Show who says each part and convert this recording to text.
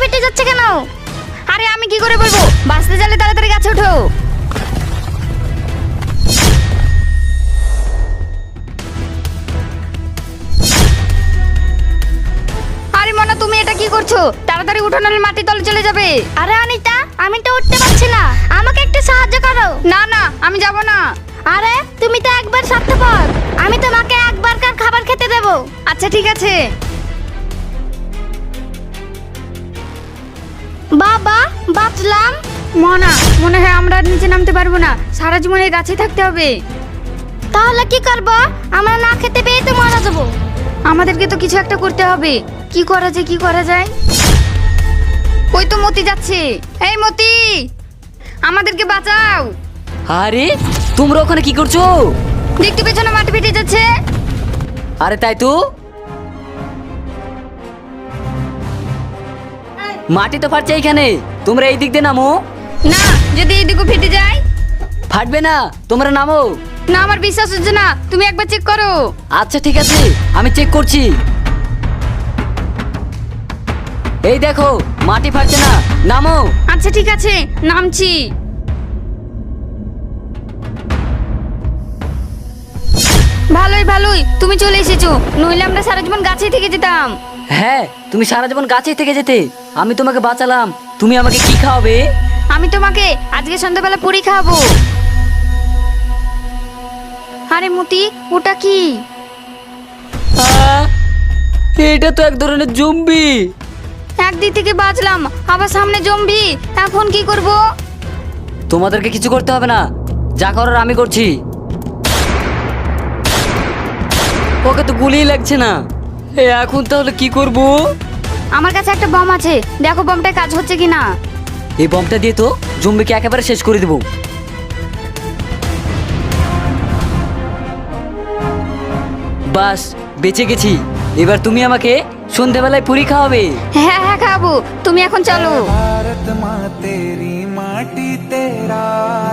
Speaker 1: ফেটে যাচ্ছে কেন?
Speaker 2: আরে আমি কি করে বলবো, বাঁচতে চাইলে তাড়াতাড়ি গাছে ওঠো। আরে মনা, তুমি এটা কি করছো? তাড়াতাড়ি উঠো, নাহলে মাটির তলে চলে যাবে।
Speaker 1: আরে অনিতা, আমি তো উঠতে পারছি না, আমাকে একটু সাহায্য করো।
Speaker 2: না না, আমি যাব না।
Speaker 1: আরে তুমি তো একবার স্বার্থপর, আমি তোমাকে একবারকার খাবার খেতে দেব।
Speaker 2: আচ্ছা ঠিক আছে।
Speaker 1: বাবা, বাঁচলাম।
Speaker 2: মনা, মনে হয় আমরা আর নিচে নামতে পারবো না, সারা জীবন এই গাছেই থাকতে হবে।
Speaker 1: তাহলে কি করব? আমরা না খেতে পেয়ে তো মারা যাবো।
Speaker 2: আমাদেরকে তো কিছু একটা করতে হবে। কি করা যায়, কি করা যায়? ওই তো মতি যাচ্ছে। এই মতি, আমাদেরকে বাঁচাও।
Speaker 3: আরে তোমরা ওখানে কি করছো?
Speaker 2: দেখতে পেছনে মাটি ফেটে যাচ্ছে।
Speaker 3: আরে তাই তো, মাটি তো ফাটছে এইখানে, তোমরা এই দিক দিয়ে নামো।
Speaker 2: না, যদি এইদিকে ফেটে যায়?
Speaker 3: ফাটবে না, তোমরা নামো।
Speaker 2: না, আমার বিশ্বাস হচ্ছে না, তুমি একবার চেক করো।
Speaker 3: আচ্ছা ঠিক আছে, আমি চেক করছি। এই দেখো, মাটি ফাটছে না, নামো।
Speaker 2: আচ্ছা ঠিক আছে, নামছি। ভালোই ভালোই তুমি চলে এসেছো, নইলে আমরা সারা জীবন গাছেই থেকে যেতাম।
Speaker 3: হ্যাঁ, তুমি সারা জীবন গাছেই থেকে যেতে, আমি তোমাকে বাঁচালাম। তুমি আমাকে কি খাওয়াবে?
Speaker 2: আমি তোমাকে আজকে সন্ধ্যাবেলা পুরি খাওয়াবো। আরে মতি, ওটা কি?
Speaker 3: এটা তো এক ধরনের জম্বি।
Speaker 2: একদিক থেকে বাঁচলাম, আবার সামনে জম্বি। এখন কি করব?
Speaker 3: তোমাদেরকে কিছু করতে হবে না, যা করার আমি করছি। ওকে তো গুলিই লাগছে না, এখন তাহলে কি করব?
Speaker 2: আমার কাছে একটা বম আছে, দেখো বমটা কাজ হচ্ছে কিনা।
Speaker 3: এই বমটা দিয়ে তো জম্বিকে একেবারে শেষ করে দেবো। বাস, বেঁচে গেছি। এবার তুমি আমাকে সন্ধ্যাবেলায় পুরি খাওয়াবে।
Speaker 2: হ্যাঁ হ্যাঁ খাবো, তুমি এখন চলো।
Speaker 4: भारत माँ तेरी माटी तेरा